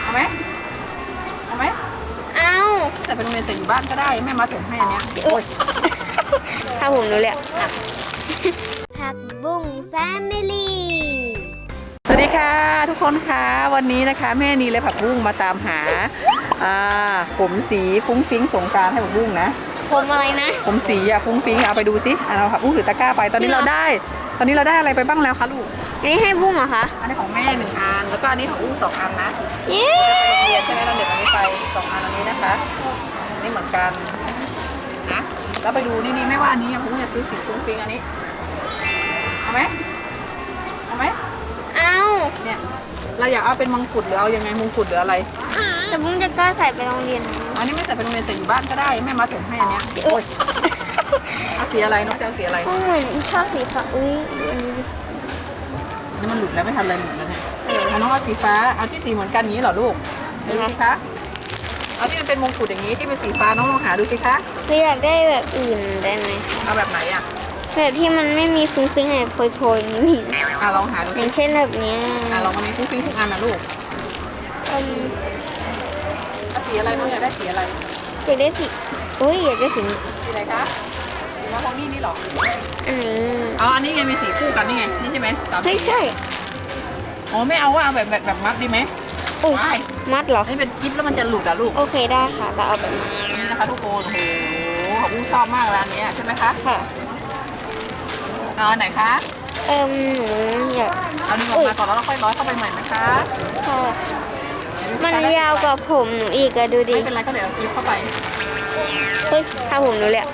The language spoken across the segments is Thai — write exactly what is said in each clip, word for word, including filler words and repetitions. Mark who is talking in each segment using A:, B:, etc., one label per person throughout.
A: เอาไหมเอาไหม
B: เอา
A: แต่เป็นโรงเรียนแต่อยู่บ้านก็ได้แม่มาถึงให้อันเนี้ยโอ้ย
B: ถ้าผมรู้เลยผักบุ้งแฟมิลี่
A: สวัสดีค่ะทุกคนคะวันนี้นะคะแม่นีและผักบุ้งมาตามหาอ่าผมสีฟุ้งฟิ้งสงกรานต์ให้ผักบุ้งนะ
B: ผมอะไรนะ
A: ผมสีอะฟุ้งฟิ้งเอาไปดูซิอ่ะเราผักบุ้งถือตะกร้าไปตอนนี้เราได้ ตอนนี้เราได้อะไรไปบ้างแล้วคะลูก
B: นี่ให้บุ้งเหรอคะ
A: อันนี้ของแม่หนึ่งอันแล้วก็อันนี้ของอุ้งสองอันนะ
B: เย้
A: เรียนใช่ไหมเราเด็กอันนี้ไปสองอันอันนี้นะคะอันนี้เหมือนกันนะแล้วไปดูนี่นี่ไม่ว่าอันนี้ผักบุ้งจะซื้อสีฟุ้งฟิ้งอันนี้เอาไหมเอาไหม
B: เอา
A: เนี่ยเราอยากเอาเป็นมงกุฎหรือเอายังไงมงกุฎหรืออะไร
B: แต่บุ้งจะกล้าใส่ไปโรงเรียน
A: อันนี้ไม่ใส่เป็นโรงเรียนใส่อยู่บ้านก็ได้แม่มาถึงให้อันเนี้ยโอ้ยเอาสีอะไรน้องจะเอาสีอะไร
B: บุ้งเหมือนชอบสีฟ้าอุ้ยดูอันนี้ดิ
A: นี่มันหลุดแล้วไม่ทันอะไรหลุดแล้วเนี่ยเอาน้องเอาสีฟ้าเอาที่สีเหมือนกันอย่างนี้เหรอลูกดูสิคะเอาที่มันเป็นมงกุฎอย่างนี้ที่เป็นสีฟ้าน้องลองหาดูสิคะ
B: หรืออยากได้แบบอื่นได้ไหม
A: เอาแบบไหนอ่ะ
B: แบบที่มันไม่มีฟุ้งฟิ้งอะไรโพยๆนี่
A: อ่ะลองหาดู
B: อ
A: สิ
B: ย่างเช่นแบบเนี้ย
A: อ่ะลองมันมีฟุ้งฟิ้งทุกอันนะลูก
B: อืม
A: เอาสีอะไรน้องอยากได้สีอะไร
B: อยากได้สีอุ้ยอยากได้สีนี้
A: สีอะไรคะสีมะพร้าวนี่นี่เหรอ
B: อันนี้
A: อ๋ออันนี้ไงมีสีคู่กันนี่ไงนี่ใช่ไหมสาม
B: ไม่
A: สี
B: ใช่
A: อ๋อไม่เอาว่าเอาแบบแบบแบบมัดดีไหม
B: อุ้ย
A: ไม่
B: มัดเหรอ
A: อันนี้เป็นกิ๊บแล้วมันจะหลุดอ่ะลูก
B: โอเคได้ค่ะเราเอาแบบนี้
A: นี่นะคะทุกคนโอ้โหขอบคุณชอบมากร้านนี้ใช่ไหมคะ
B: ค่ะ
A: เอาอันไหนคะ
B: เอิมหนูอยาก
A: เอาดึงออกมาก่อนแล้วเราค่อยร้อยเข้าไปใหม่นะคะ
B: ค่ะ มันยาวกว่าผมหนูอีกอะดูดิ
A: ไม่เป็นไรก็เดี๋ยวเราคลิปเข้าไป
B: เฮ้ยถ้าผมหนูเลยอะ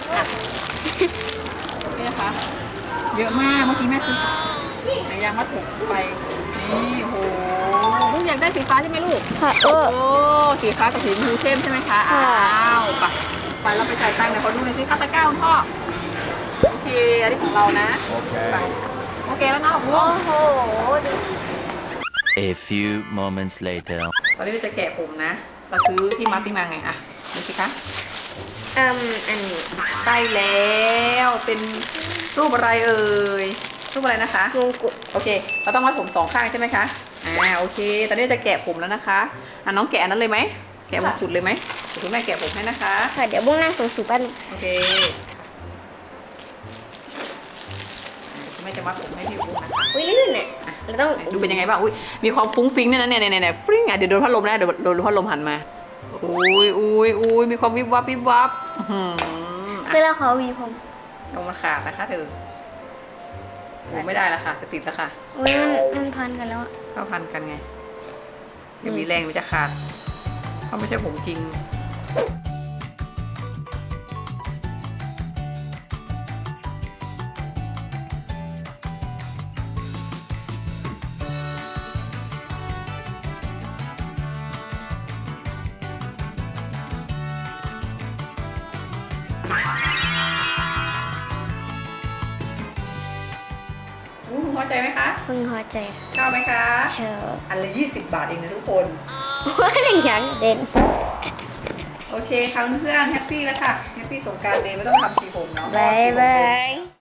A: นี่นะคะเยอะมากเมื่อกี้แม่ซื้อหนังยางมัดผมไปนี่โอ้โหลูกอยากได้สีฟ้าใช่ไหมลูก
B: ค่ะเออ
A: โอ้สีฟ้ากับสีชมพูเข้มใช่ไหมคะ
B: ค่ะ
A: อ้าวไปไปเราไปจ่ายตังค์เดี๋ยวเขาดูหน่อยสิค่าตะกร้าคุณพ่อโอเคอันนี้ของเรานะไปโอเคแล้วเนาะ
B: โอ้โหดู
C: A few moments later.
A: ตอนนี้เราจะแกะผมนะ เราซื้อที่มัดที่มาไงอะดูสิคะ
B: เอิมอันนี้
A: ใช่แล้วเป็นรูปอะไรเอ่ยรูปอะไรนะคะ
B: มงกุฎ
A: โอเคเราต้องมัดผมสองข้างใช่ไหมคะอ่าโอเคตอนนี้จะแกะผมแล้วนะคะอ่ะน้องแกะอันนั้นเลยไหมแกะมงกุฎเลยไหมเดี๋ยวคุณแม่แกะผมให้นะคะ
B: ค่ะเดี๋ยวบุ้งนั่งสูงสูงกัน
A: โอเคคุณแม่จะมัดผมให้พี่บุ้งนะคะ
B: อุ้ยลื่นเนี่ยเราต้อง
A: ดูเป็นยังไงบ้างอุ้ยมีความฟุ้งฟิ้งเนี่ยนะเนี่ยเนี่ยเนี่ยฟริ้งอ่ะเดี๋ยวโดนพัดลมนะเดี๋ยวโดนพัดลมหันมาอุ้ยอุ้ยอุ้ยมีความวิบวับวิบวับอื้อหือ
B: คือเราขอวีผม
A: ลงมันขาดนะคะเธอโอ้ไม่ได้ละค่ะจะติดแล้วค่ะ
B: อุ้ยมันมันพันกันแล้วอะ
A: เข้าพันกันไงเดี๋ยวมีแรงมันจะขาดเพราะไม่ใช่ผมจริงอู้หูพอใจไหมคะ
B: พึงพอใจ
A: ชอบไหมคะ
B: เชิญ
A: อันละยี่สิบบาทเองนะทุกคน
B: ว่าอะไรอย่างเด่น
A: โอเคค่ะเพื่อนๆแฮปปี้แล้วค่ะแฮปปี้สงกรานต์เลยไม่ต้องทำสีผมเนาะ
B: บายบาย